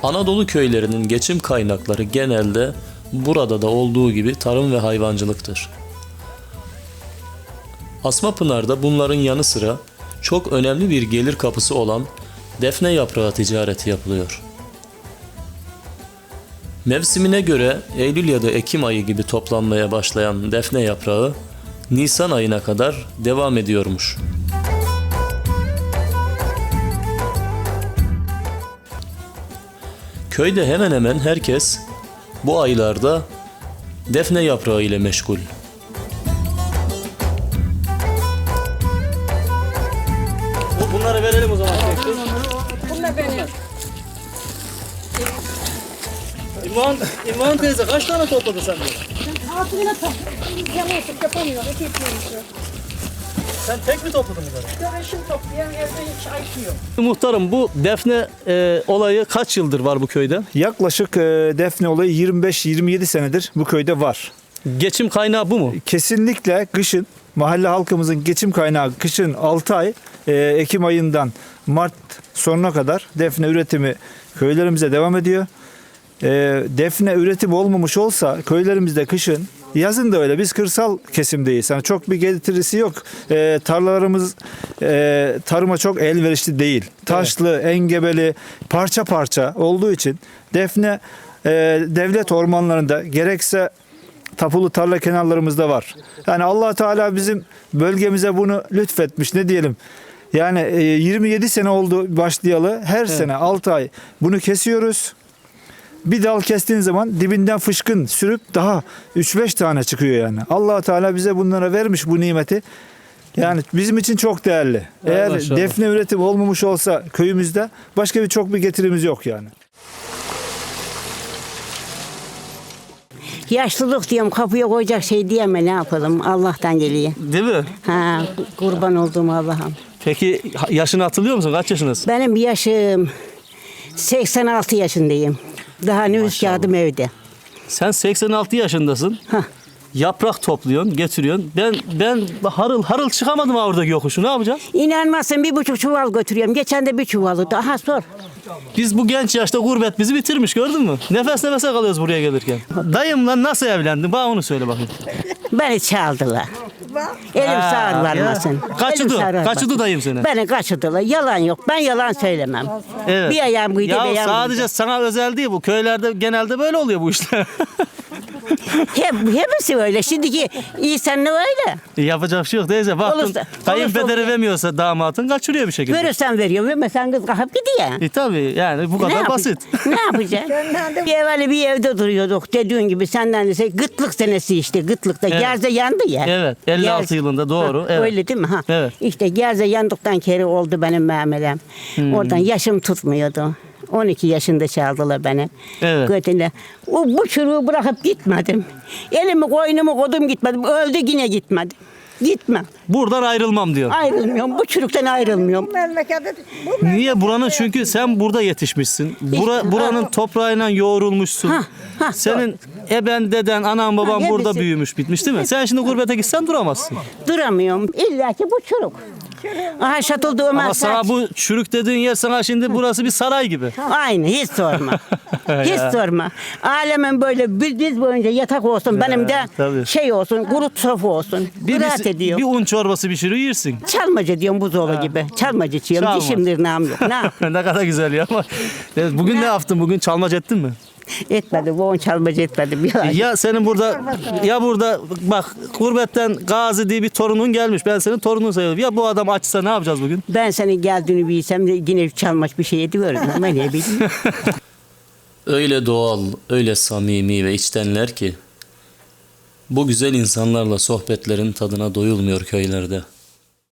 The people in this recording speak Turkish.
Anadolu köylerinin geçim kaynakları genelde burada da olduğu gibi tarım ve hayvancılıktır. Asmapınar'da bunların yanı sıra çok önemli bir gelir kapısı olan defne yaprağı ticareti yapılıyor. Mevsimine göre Eylül ya da Ekim ayı gibi toplanmaya başlayan defne yaprağı Nisan ayına kadar devam ediyormuş. Köyde hemen hemen herkes bu aylarda defne yaprağı ile meşgul. Bunları verelim o zaman. Bunlar benim. İmran teyze kaç tane topladın sen böyle? Altına yamursuk yapamıyor. Eti yapıyormuş. Sen tek mi topladın bunları? Döveşim toplayan evde hiç ayıkıyor. Muhtarım, bu defne olayı kaç yıldır var bu köyde? Yaklaşık defne olayı 25-27 senedir bu köyde var. Geçim kaynağı bu mu? Kesinlikle kışın mahalle halkımızın geçim kaynağı kışın 6 ay Ekim ayından Mart sonuna kadar defne üretimi köylerimize devam ediyor. Defne üretimi olmamış olsa köylerimizde kışın, yazın da öyle, biz kırsal kesimdeyiz. Yani çok bir getirisi yok. Tarlalarımız tarıma çok elverişli değil. Taşlı, engebeli, parça parça olduğu için defne devlet ormanlarında gerekse tapulu tarla kenarlarımızda var. Yani Allah Teala bizim bölgemize bunu lütfetmiş, ne diyelim. Yani 27 sene oldu başlayalı. Her sene 6 ay bunu kesiyoruz. Bir dal kestiğin zaman dibinden fışkın sürüp daha 3-5 tane çıkıyor yani. Allah Teala bize bunlara vermiş bu nimeti. Yani bizim için çok değerli. Eğer maşallah. defne üretimi olmamış olsa köyümüzde başka çok bir getirimiz yok yani. Yaşlılık diyorum, kapıya koyacak şey diyeme, ne yapalım, Allah'tan geliyor. Değil mi? Ha, kurban olduğum Allah'ım. Peki yaşını hatırlıyor musun? Kaç yaşınız? Benim yaşım 86 yaşındayım. Daha nüfus kağıdım evde. Sen 86 yaşındasın. Hah. Yaprak topluyorsun, getiriyorsun. Ben harıl harıl çıkamadım oradaki yokuşu. Ne yapacağız? İnanmazsın, 1,5 çuval götürüyorum. Geçen de bir çuvalı. Daha sor. Biz bu genç yaşta gurbet bizi bitirmiş, gördün mü? Nefes nefese kalıyoruz buraya gelirken. Dayımla nasıl evlendin? Bana onu söyle bakayım. Beni çaldılar. Elim sağır varmasın. Kaçırdı dayım seni. Beni kaçırdılar. Yalan yok. Ben yalan söylemem. Evet. Bir ayağım kıydı, bir Ya ayağım sadece kıydı. sana özel değil bu. Köylerde genelde böyle oluyor bu işler. Hepsi öyle. Şimdiki insanlığı öyle. Yapacak bir şey yok teyze. Baktın Olursa kayınpederi oluyor. vermiyorsa damatın kaçırıyor bir şekilde. Verirsen veriyorum. Vermesen kız kalkıp gidiyor. Tabii yani bu kadar basit. Ne yapacaksın? Bir evvel bir evde duruyorduk. Dediğin gibi senden de gıtlık senesi işte. Gıtlıkta. Evet. Gerze yandı ya. Evet, 56 Gerze. yılında, doğru. Ha, Evet. Öyle değil mi? Ha. Evet. İşte gerze yandıktan kere oldu benim memelem. Oradan yaşım tutmuyordu. 12 yaşında çaldılar beni. Evet. Götüne. Bu çürüğü bırakıp gitmedim. Elimi koynumu kodum gitmedim. Öldü yine gitmedim. Gitmem. Buradan ayrılmam diyor. Ayrılmıyorum. Bu çürükten ayrılmıyorum. Memlekette Niye? Buranın çünkü sen burada yetişmişsin. Buranın toprağıyla yoğrulmuşsun. Senin eben, deden, anan, baban hepsi. burada büyümüş, bitmiş değil mi? Sen şimdi gurbete gitsen duramazsın. Duramıyorum. İlla ki bu çürük. Aha şatıldı Ömer Ama sana Saç. bu çürük dediğin yer sana şimdi burası bir saray gibi. Aynı, hiç sorma. Hiç sorma. Alemin böyle bir diz boyunca yatak olsun, benim de tabii. şey olsun, kuru sofra olsun. Rahat ediyor. Bir un çorbası pişirir yersin. Çalmacı diyorum, buzdolabı gibi. Çalmacı içiyorum. Çalmaz. Dişim tırnağım yok. Ne yap- Ne kadar güzel ya. Bugün ne yaptın? Bugün çalmaca ettin mi? Etmedi. Bu on çalmacı etmedi. Bir ay. Ya senin burada bak gurbetten Gazi diye bir torunun gelmiş. Ben senin torunun sayıyorum. Ya bu adam açsa ne yapacağız bugün? Ben senin geldiğini bilsem de yine çalmaç bir şey ediyorum. Ama ne bileyim. Öyle doğal, öyle samimi ve içtenler ki bu güzel insanlarla sohbetlerin tadına doyulmuyor köylerde.